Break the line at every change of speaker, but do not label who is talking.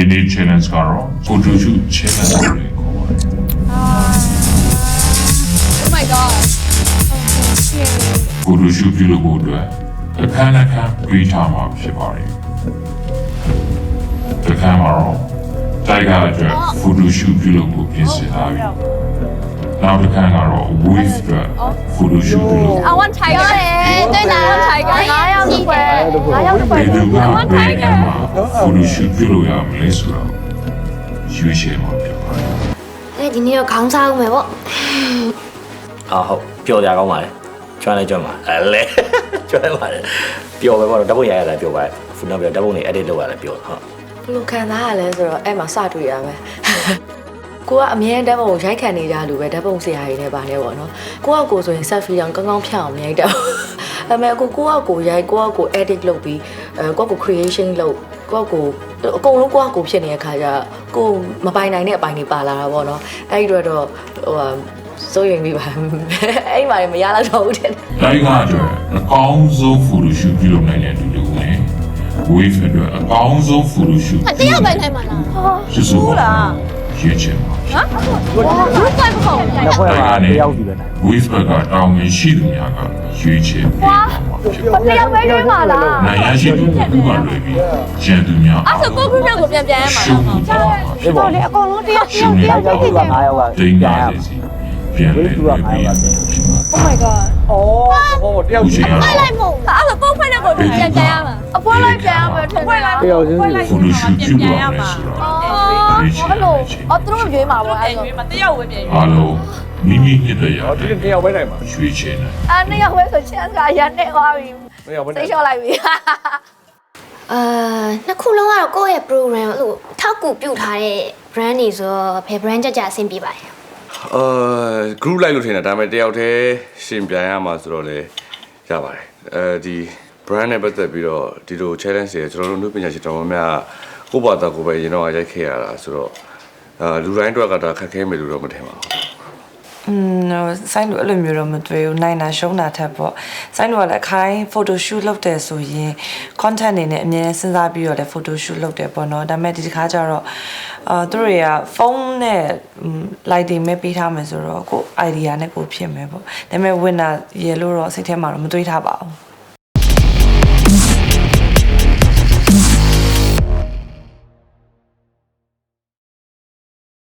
နေ့ challenge ကတော့ photo shoot challenge လို့ခေါ်ပါတယ်
Oh my god
photo shoot ပြုလုပ်ဖို့အတွက်အခမ်းအနားပြေးထားမှာဖြစ်ပါတယ်အခမ်းမှာတော့တိုက်ကားအတွက် photo shoot ပြုလုပ်ဖို့ပြင်ဆင်ထားပြီနောက်တစ်ခါကတော့ wave အတွက် photo shoot ပြုလုပ်
I want tiger 对的 tiger
9ရောက်တစ်ပွဲ9ရောက်တစ်ပွဲ
ဘယ်သူကဘယ်အခါမှာ photo shoot ပြုလုပ်ရမလဲဆိုတော့ရွေးချယ်မှာဖြစ်ပါတယ်
ဒီနေ့တော့ခေါင်းစားဦးမယ်ပေါ့
ဟုတ်ပျော်ကြကောင်းပါလေကျွမ်းလဲကျွမ်းပါလဲကျွမ်းပါလေပျော်ပဲပေါ့ဓာတ်ပုံရရတာပျော်ပါဖုန်းနံပါတ်ဓာတ်ပုံတွေ edit လုပ်ရတယ်ပျော်ဟုတ်
ဘယ်လိုခံစားရလဲဆိုတော့အဲ့မှာစတွေ့ရမယ်ကိုကအမြဲတမ်းဓာတ်ပုံရိုက်ခံနေကြလူပဲဓာတ်ပုံဆရာကြီးနဲ့ပါနေပေါ့နော်ကိုကကိုဆိုရင် selfie တောင်ကောင်းကောင်းဖြတ်အောင်မြိုက်တော့အမေကိုကိုရိုက်ကို edit လုပ်ပြီးကို creation လုပ်ကိုအကုန်လုံးကိုဖြစ်နေတဲ့ခါကျကိုမပိုင်နိုင်တဲ့အပိုင်းတွေပါလာတာပေါ့နော်အဲ့ဒီတော့စိုးရင်ပြီးပါအဲ့မှာမရတော့ဘူးတဲ့
တိုက်ကားအတွက်အကောင်းဆုံး photo shoot ပြုလုပ်နိုင်တဲ့လူတွေနဲ့ wave အတွက်အကောင်းဆုံး photo shoot
တယောက်ပဲနိုင်မှာလား
ကျေးဇူးပါရွေးချယ်မှာဖြစ်
ဘူးကိုယ်မဟုတ်
နှစ်ဖွဲ့မှာတယောက်စီပဲနိုင်
wave ဘက်ကတောင်းဝင်ရှိသူများကရွေးချယ်ပေးမှာဖြစ်ပါ
တယောက်ပဲနိုင်မှာလား
နိုင်ရရှိသူကလွယ်ပြီးကျန်သူများ
အဲ့ဆိုကိုခုမြောက်ကိုပြန်ပြန်ရမှာ
ရှုံးမှာဖြစ်ပါ
ဒီပေါ်လေအကုန်လုံးတယောက်တယောက်တယောက်9ယောက်က
ဒိန်းပါလေစီပြန်လဲလွယ်ပြီးဖြစ်ပါ
Oh my god
အော်တယောက်ချင်း
ဖိုက်လိုက်မို့အဲ့ဆိုပုံဖိုက်တဲ့ကိုပြန်ပြန်ရမှာအပွဲလိုက်ပြန်ရမှာထင်တယ်
တယောက်ချင်း
photo shoot ပြုလုပ်ရမယ်ဆိုတော့ရွေးချယ်လို့
အော်သူတို့ရွေးမှာပေါ့အဲ့ဆို
အားလုံးမိမိနှစ်တရာ
ဒီတယောက်ပဲနိုင်မှာ
ရွေးချယ်နိုင်
အဲ့နှစ်ယောက်ပဲဆိုချမ်းသာရနေသွားပြီ
တယောက်ပဲနို
သိ
င်
လျှော့လိုက်ပြီ
နှစ်ခုလုံးကတော့ကိုယ့်ရဲ့ program လို့ထောက်ကူပြုထားတဲ့ brand တွေဆိုတော့ဘယ် brand ကြအဆင်ပြေပါလဲ
group လိုက်လို့ထင်တာဒါပေမဲ့တယောက်တည်းရှင်ပြန်ရမှာဆိုတော့လေရပါတယ်ဒီ brand နဲ့ပတ်သက်ပြီးတော့ဒီလို challenge တွေကျွန်တော်တို့နှုတ်ပညာရှင်တော်များကိုယ့်ဘာသာကိုယ်ပဲရင်တော့ရိုက်ခဲ့ရတာဆိုတော့လူတိုင်းအတွက်ကဒါခက်ခဲမယ်လို့တော့မထင်ပါဘူး
ဆိုင်လို့အဲ့လိုမျိုးတော့မတွေ့ဘူးနိုင်တာရှုံးတာထက်ပေါ့ဆိုင်လို့ကလည်းခိုင်း photo shoot လုပ်တယ်ဆိုရင် content အနေနဲ့အမြဲစဉ်းစားပြီးတော့လည်း photo shoot လုပ်တယ်ပေါ့နော်ဒါပေမဲ့ဒီတစ်ခါကျတော့သူတို့တွေကဖုန်းနဲ့ lighting မဲ့ပေးထားမယ်ဆိုတော့ကို idea နဲ့ကိုဖြစ်မယ်ပေါ့ဒါပေမဲ့ winner ရေလို့တော့စိတ်ထဲမှာတော့မတွေးထားပါဘူး